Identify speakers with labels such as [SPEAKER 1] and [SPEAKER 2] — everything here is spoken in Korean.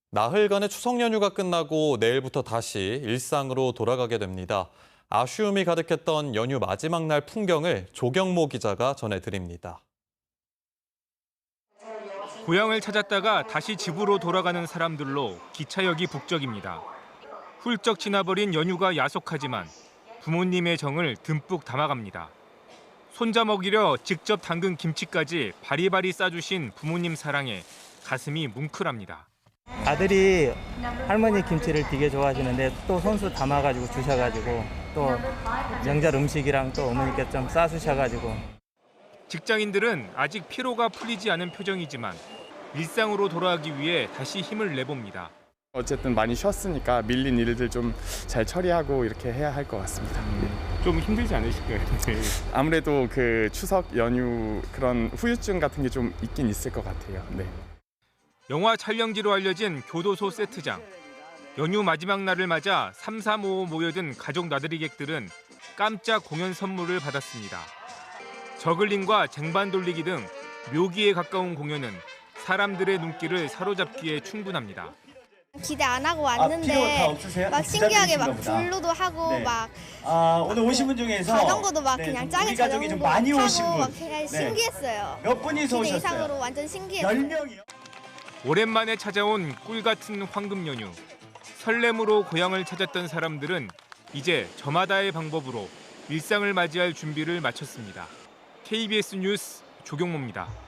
[SPEAKER 1] 나흘간의 추석 연휴가 끝나고 내일부터 다시 일상으로 돌아가게 됩니다. 아쉬움이 가득했던 연휴 마지막 날 풍경을 조경모 기자가 전해드립니다.
[SPEAKER 2] 고향을 찾았다가 다시 집으로 돌아가는 사람들로 기차역이 북적입니다. 훌쩍 지나버린 연휴가 야속하지만 부모님의 정을 듬뿍 담아갑니다. 손자 먹이려 직접 담근 김치까지 바리바리 싸주신 부모님 사랑에 가슴이 뭉클합니다.
[SPEAKER 3] 아들이 할머니 김치를 되게 좋아하시는데 또 손수 담아가지고 주셔가지고 또 명절 음식이랑 또 어머니께 좀 싸주셔가지고.
[SPEAKER 2] 직장인들은 아직 피로가 풀리지 않은 표정이지만 일상으로 돌아가기 위해 다시 힘을 내봅니다.
[SPEAKER 4] 어쨌든 많이 쉬었으니까 밀린 일들 좀 잘 처리하고 이렇게 해야 할 것 같습니다.
[SPEAKER 2] 좀 힘들지 않으실까요?
[SPEAKER 4] 아무래도 그 추석 연휴 그런 후유증 같은 게 좀 있긴 있을 것 같아요. 네.
[SPEAKER 2] 영화 촬영지로 알려진 교도소 세트장. 연휴 마지막 날을 맞아 3355 모여든 가족 나들이객들은 깜짝 공연 선물을 받았습니다. 저글링과 쟁반 돌리기 등 묘기에 가까운 공연은 사람들의 눈길을 사로잡기에 충분합니다.
[SPEAKER 5] 기대 안 하고
[SPEAKER 6] 필요 다
[SPEAKER 5] 왔는데
[SPEAKER 6] 없으세요?
[SPEAKER 5] 막 신기하게 막
[SPEAKER 6] 기다리시나 보다.
[SPEAKER 5] 블루도 하고
[SPEAKER 6] 네.
[SPEAKER 5] 막
[SPEAKER 6] 오늘 오신 분 중에서
[SPEAKER 5] 자전거도 막
[SPEAKER 6] 네,
[SPEAKER 5] 그냥
[SPEAKER 6] 우리
[SPEAKER 5] 짜게
[SPEAKER 6] 가족이 좀
[SPEAKER 5] 자전거
[SPEAKER 6] 많이
[SPEAKER 5] 타고
[SPEAKER 6] 오신 분.
[SPEAKER 5] 막 그냥
[SPEAKER 6] 네.
[SPEAKER 5] 신기했어요.
[SPEAKER 6] 몇 분이서
[SPEAKER 5] 기대
[SPEAKER 6] 오셨어요?
[SPEAKER 5] 이상으로 완전 신기했어요.
[SPEAKER 6] 10명이요?
[SPEAKER 2] 오랜만에 찾아온 꿀 같은 황금 연휴. 설렘으로 고향을 찾았던 사람들은 이제 저마다의 방법으로 일상을 맞이할 준비를 마쳤습니다. KBS 뉴스 조경모입니다.